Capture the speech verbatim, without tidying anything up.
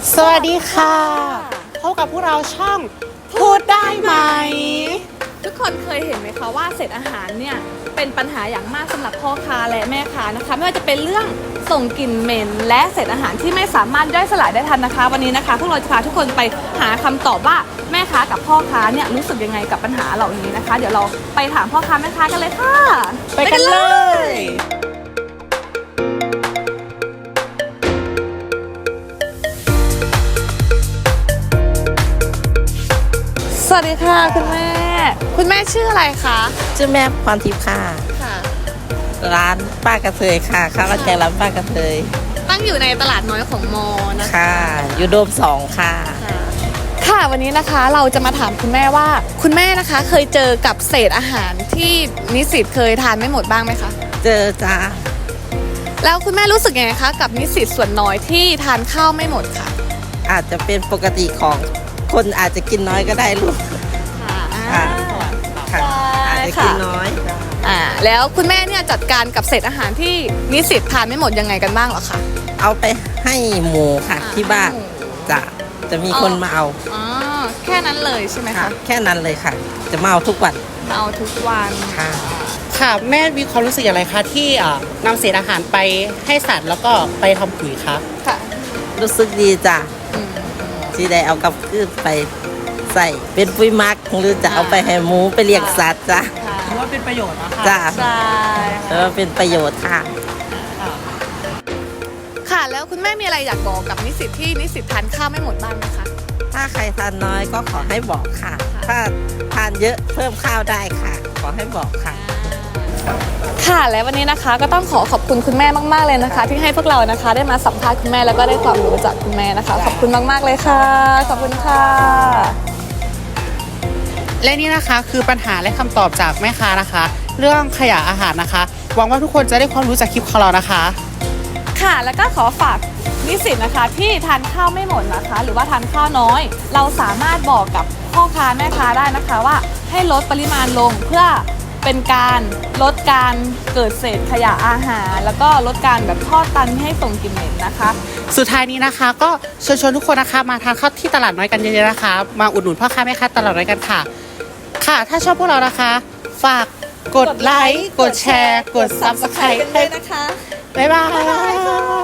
สวัสดีค่ะพบกับพวกเราช่องพูดได้ไหมทุกคนเคยเห็นไหมคะว่าเศษอาหารเนี่ยเป็นปัญหาอย่างมากสำหรับพ่อค้าและแม่ค้านะคะไม่ว่าจะเป็นเรื่องส่งกลิ่นเหม็นและเศษอาหารที่ไม่สามารถย่อยสลายได้ทันนะคะวันนี้นะคะพวกเราจะพาทุกคนไปหาคำตอบว่าแม่ค้ากับพ่อค้าเนี่ยรู้สึกยังไงกับปัญหาเหล่านี้นะคะเดี๋ยวเราไปถามพ่อค้าแม่ค้ากันเลยค่ะไปกันเลยสวัสดีค่ะคุณแม่คุณแม่ชื่ออะไรคะชื่อแม่พรทิพย์ค่ะค่ะร้านป้ากระเทยค่ะข้าวราดแกงร้านป้ากระเทยตั้งอยู่ในตลาดน้อยของมอนะคะค่ะอยู่โดมสองค่ะค่ะวันนี้นะคะเราจะมาถามคุณแม่ว่าคุณแม่นะคะเคยเจอกับเศษอาหารที่นิสิตเคยทานไม่หมดบ้างไหมคะเจอจ้าแล้วคุณแม่รู้สึกยังไงคะกับนิสิตส่วนน้อยที่ทานข้าวไม่หมดค่ะอาจจะเป็นปกติของคนอาจจะกินน้อยก็ได้ลูกค่ะค่ะอาจจะกินน้อยอ่าแล้วคุณแม่เนี่ยจัดการกับเศษอาหารที่นิสิตทานไม่หมดยังไงกันบ้างเหรอคะเอาไปให้หมูค่ะที่บ้านจะจะมีคนมาเอาอ๋อแค่นั้นเลยใช่ไหมคะแค่นั้นเลยค่ะจะมาเอาทุกวันเอาทุกวันค่ะค่ะแม่มีความรู้สึกอย่างไรคะที่นำเศษอาหารไปให้สัตว์แล้วก็ไปทำปุ๋ยคะค่ะรู้สึกดีจ้ะที่ได้เอากับพืชไปใส่เป็นปุ๋ยหมักหรือจะเอาไปให้หมูไปเลี้ยงสัตว์จ้ะถือว่าเป็นประโยชน์นะคะจ้ะใช่ถือว่าเป็นประโยชน์ค่ะค่ะแล้วคุณแม่มีอะไรอยากบอกกับนิสิตที่นิสิตทานข้าวไม่หมดบ้างไหมคะถ้าใครทานน้อยก็ขอให้บอกค่ะถ้าทานเยอะเพิ่มข้าวได้ค่ะขอให้บอกค่ะค่ะและวันนี้นะคะก็ต้องขอขอบคุณคุณแม่มากๆเลยนะคะที่ให้พวกเรานะคะได้มาสัมภาษณ์คุณแม่แล้วก็ได้ความรู้จากคุณแม่นะคะขอบคุณมากๆเลยค่ะขอบคุณค่ะและนี่นะคะคือปัญหาและคำตอบจากแม่ค้านะคะเรื่องขยะอาหารนะคะหวังว่าทุกคนจะได้ความรู้จากคลิปของเรานะคะค่ะแล้วก็ขอฝากนิสิตนะคะที่ทานข้าวไม่หมดนะคะหรือว่าทานข้าวน้อยเราสามารถบอกกับพ่อค้าแม่ค้าได้นะคะว่าให้ลดปริมาณลงเพื่อเป็นการลดการเกิดเศษขยะอาหารแล้วก็ลดการแบบทอดตันให้ส่งกลิ่นเหม็นนะคะสุดท้ายนี้นะคะก็เชิญชวนทุกคนนะคะมาทานข้าวที่ตลาดน้อยกันเยอะๆนะคะมาอุดหนุนพ่อค้าแม่ค้าตลาดน้อยกันค่ะค่ะถ้าชอบพวกเรานะคะฝากกดไลค์กดแชร์กด ซับสไครบ์เลยนะคะบ๊ายบาย